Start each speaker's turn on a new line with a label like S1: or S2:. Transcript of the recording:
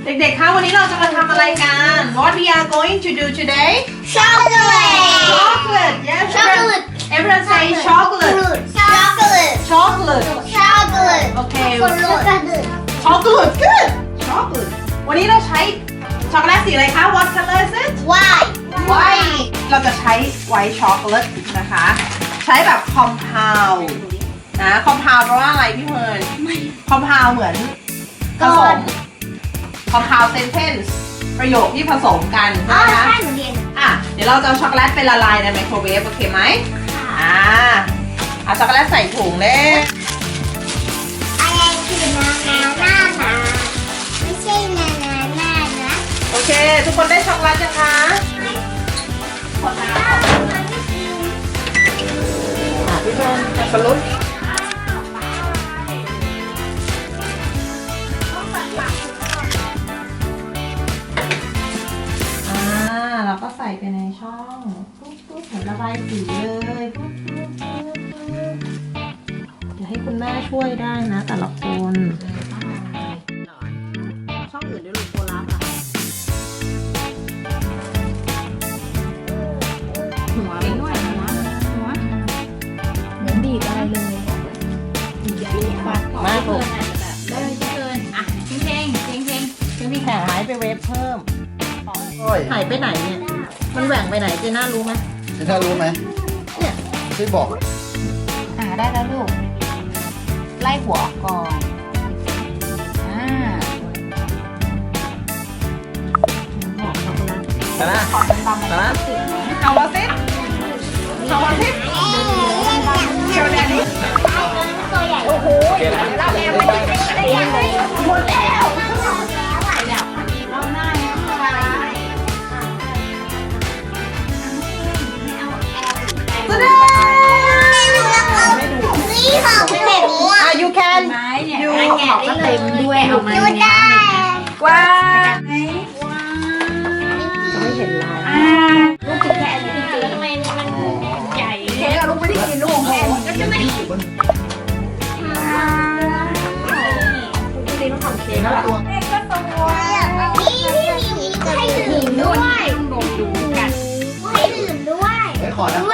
S1: เด็กๆ คะวันนี้เราจะมาทำอะไรกัน What we are going to do today
S2: Chocolate.
S1: Chocolate yes
S2: Chocolate.
S1: everyone say chocolate
S2: Chocolate.
S1: Chocolate
S2: Chocolate.
S1: Okay
S2: Chocolate.
S1: Chocolate good Chocolate วันนี้เราใช้ช็อกโกแลตสีอะไรคะ What color is it
S2: White.
S1: White เราจะใช้ White chocolate นะคะ ใช้แบบ compound นะ compound แปลว่าอะไรพี่เมิร์น compound เหมือนผสม compound sentence ประโยคที่ผสมกัน
S2: อ๋อ
S1: ใช่ไหม
S2: ใช่
S1: คะ
S2: หนูเรียน
S1: อ่ะ เดี๋ยวเราจะเอาช็อกโกแลตไปละลายในไมโครเวฟโอเคไหมเอาช็อกโกแลตใส่ถุงเลย
S2: อะไรคือนาไม่ใช่นานะ
S1: โอเค ทุกคนได้ช็อกโกแลตยังคะพี่เมิร์นสับปะรดเราก็ใส่ไปในช่องปุ๊บเหมือนระบายสีเลยปุ๊บเดี๋ยวให้คุณแม่ช่วยได้นะแต่ละคนช่องอื่นด้วยลูกโคลับอ่ะหัวไปด้วยหัวเหมือนดีดอะไรเลยมากเลยแข่งหายไปเวฟเพิ่มหายไปไหนเนี่ย มันแหว่งไปไหนเจน่ารู้ไหม
S3: เจน่ารู้ไหม
S1: เนี่ย
S3: ช่วยบอก
S4: ได้แล้วลูก ไล่หัวออกก่อน
S1: ชนะชนะเอามาสิเอามาสิเดี๋ยวแดดนี้
S2: ตัวใหญ่
S1: โอ้โหเราแอบมันจะได้ยังไงหมดแล้ว แสดง
S2: นี่ของผมอ่ะ
S1: you can
S4: ไม้เนี่ย
S1: you
S4: แกะได้เลยด้วยเอามา
S2: ดูได้
S1: ว้า
S4: ไม่เห็นลายลูกจะแกะจริงๆแล้วทำไมมันใหญ่
S1: เค้กอะลูกไม่ได้กินลูกแม่ก็จะไม่ได้กินต้องทำเค้กแล้วล่ะ
S2: นี่พี่มีใครดื่มด้วย
S4: ต้องดมดูกัน
S2: ให้ดื่มด้วย
S3: ไว้ขอนะ
S2: ด้วย